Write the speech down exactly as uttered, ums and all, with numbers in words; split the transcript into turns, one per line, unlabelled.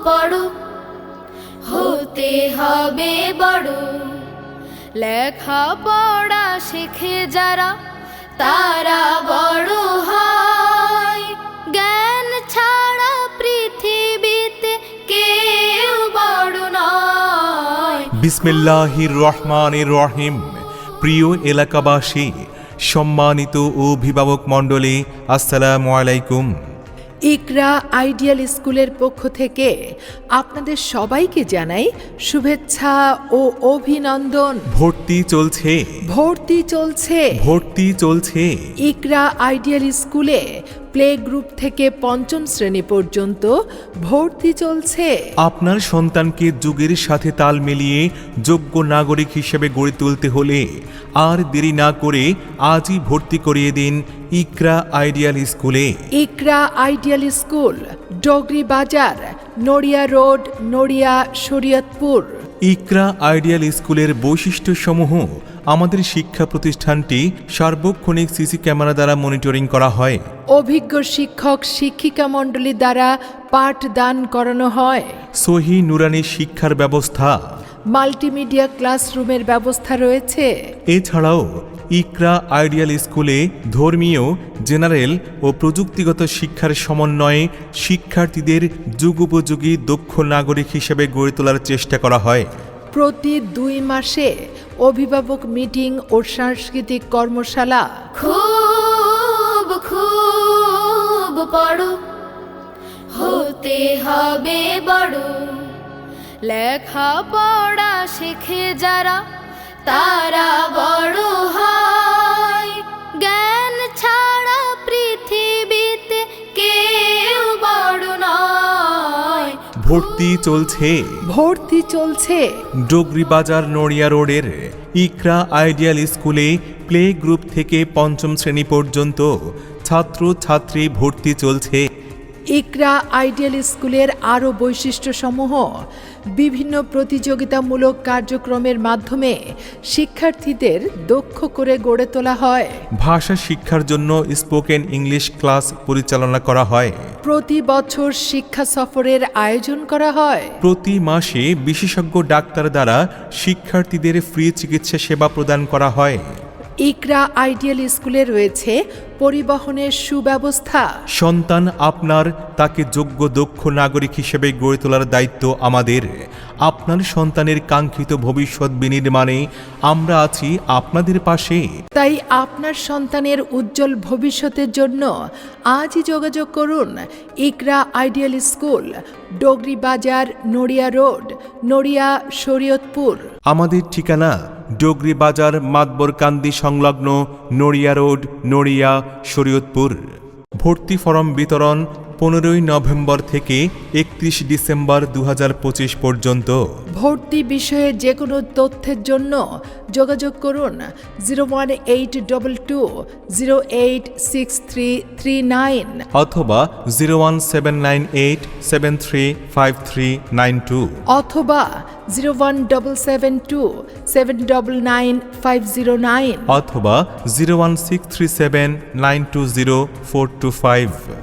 পড়ো, হতে হবে বড়। লেখা পড়া শেখে যারা তারা বড় হয়। জ্ঞান ছাড়া পৃথিবীতে কেউ বড় নয়।
বিসমিল্লাহির রহমানির রহিম। প্রিয় এলাকাবাসী, সম্মানিত অভিভাবক মণ্ডলী, আসসালামু আলাইকুম।
ইকরা আইডিয়াল স্কুলের পক্ষ থেকে আপনাদের সবাইকে জানাই শুভেচ্ছা ও অভিনন্দন।
ভর্তি চলছে
ভর্তি চলছে
ভর্তি চলছে
ইকরা আইডিয়াল স্কুলে প্লে গ্রুপ থেকে পঞ্চম শ্রেণী পর্যন্ত ভর্তি চলছে।
আপনার সন্তানকে যুগের সাথে তাল মিলিয়ে যোগ্য নাগরিক হিসেবে গড়ে তুলতে হলে আর দেরি না করে আজই ভর্তি করিয়ে দিন ইকরা আইডিয়াল স্কুলে।
ইকরা ideal school, Dogri Bazar, Naria road, Naria, Shariatpur.
Iqra ideal স্কুলের বৈশিষ্ট্যসমূহ: আমাদের শিক্ষা প্রতিষ্ঠানটি সার্বক্ষণিক সিসি ক্যামেরা দ্বারা মনিটরিং করা হয়।
অভিজ্ঞ শিক্ষক শিক্ষিকা মণ্ডলী দ্বারা পাঠদান করানো হয়।
সহি নুরানি শিক্ষার ব্যবস্থা,
মাল্টিমিডিয়া ক্লাসরুমের ব্যবস্থা রয়েছে।
এছাড়াও ইকরা আইডিয়াল স্কুলে ধর্মীয়, জেনারেল ও প্রযুক্তিগত শিক্ষার সমন্বয়ে শিক্ষার্থীদের যুগোপযোগী দক্ষ নাগরিক হিসেবে গড়ে তোলার চেষ্টা করা হয়।
প্রতি দুই মাসে অভিভাবক মিটিং ও সাংস্কৃতিক কর্মশালা।
খুব খুব পড়ো, হতে হবে বড়। লেখা পড়া শেখে যারা তারা বড় হয়। জ্ঞান ছাড়া পৃথিবীতে কেউ বড় নয়।
ভর্তি চলছে
ভর্তি চলছে
ডগরি বাজার, নড়িয়া রোডের ইকরা আইডিয়াল স্কুলে প্লে গ্রুপ থেকে পঞ্চম শ্রেণী পর্যন্ত ছাত্র ছাত্রী ভর্তি চলছে।
ইকরা আইডিয়াল স্কুলের আরও বৈশিষ্ট্যসমূহ: বিভিন্ন প্রতিযোগিতামূলক কার্যক্রমের মাধ্যমে শিক্ষার্থীদের দক্ষ করে গড়ে তোলা হয়।
ভাষা শিক্ষার জন্য স্পোকেন ইংলিশ ক্লাস পরিচালনা করা হয়।
প্রতি বছর শিক্ষা সফরের আয়োজন করা হয়।
প্রতি মাসে বিশেষজ্ঞ ডাক্তার দ্বারা শিক্ষার্থীদের ফ্রি চিকিৎসা সেবা প্রদান করা হয়।
ইকরা আইডিয়াল স্কুলে রয়েছে পরিবহনের সুব্যবস্থা।
সন্তান আপনার, তাকে যোগ্য দক্ষ নাগরিক হিসেবে গড়ে তোলার দায়িত্ব আমাদের। আপনার সন্তানের কাঙ্ক্ষিত ভবিষ্যৎ বিনির্মাণে আমরা আছি আপনাদের পাশে।
তাই আপনার সন্তানের উজ্জ্বল ভবিষ্যতের জন্য আজই যোগাযোগ করুন ইকরা ideal school, Dogri Bazar, Naria road, Naria, Shariatpur.
আমাদের ঠিকানা ডগরি বাজার, মাতবরকান্দি সংলগ্ন, নড়িয়া রোড, নড়িয়া, শরীয়তপুর। ভর্তি ফরম বিতরণ পনেরোই নভেম্বর থেকে একত্রিশ ডিসেম্বর দু হাজার পঁচিশ পর্যন্ত।
ভর্তি বিষয়ে যে কোনো তথ্যের জন্য যোগাযোগ করুন zero one eight double two zero eight six three three nine
অথবা zero one seven nine eight seven three five three nine two
অথবা zero one double seven two seven double nine five zero nine
অথবা zero one six three seven nine two zero four two five.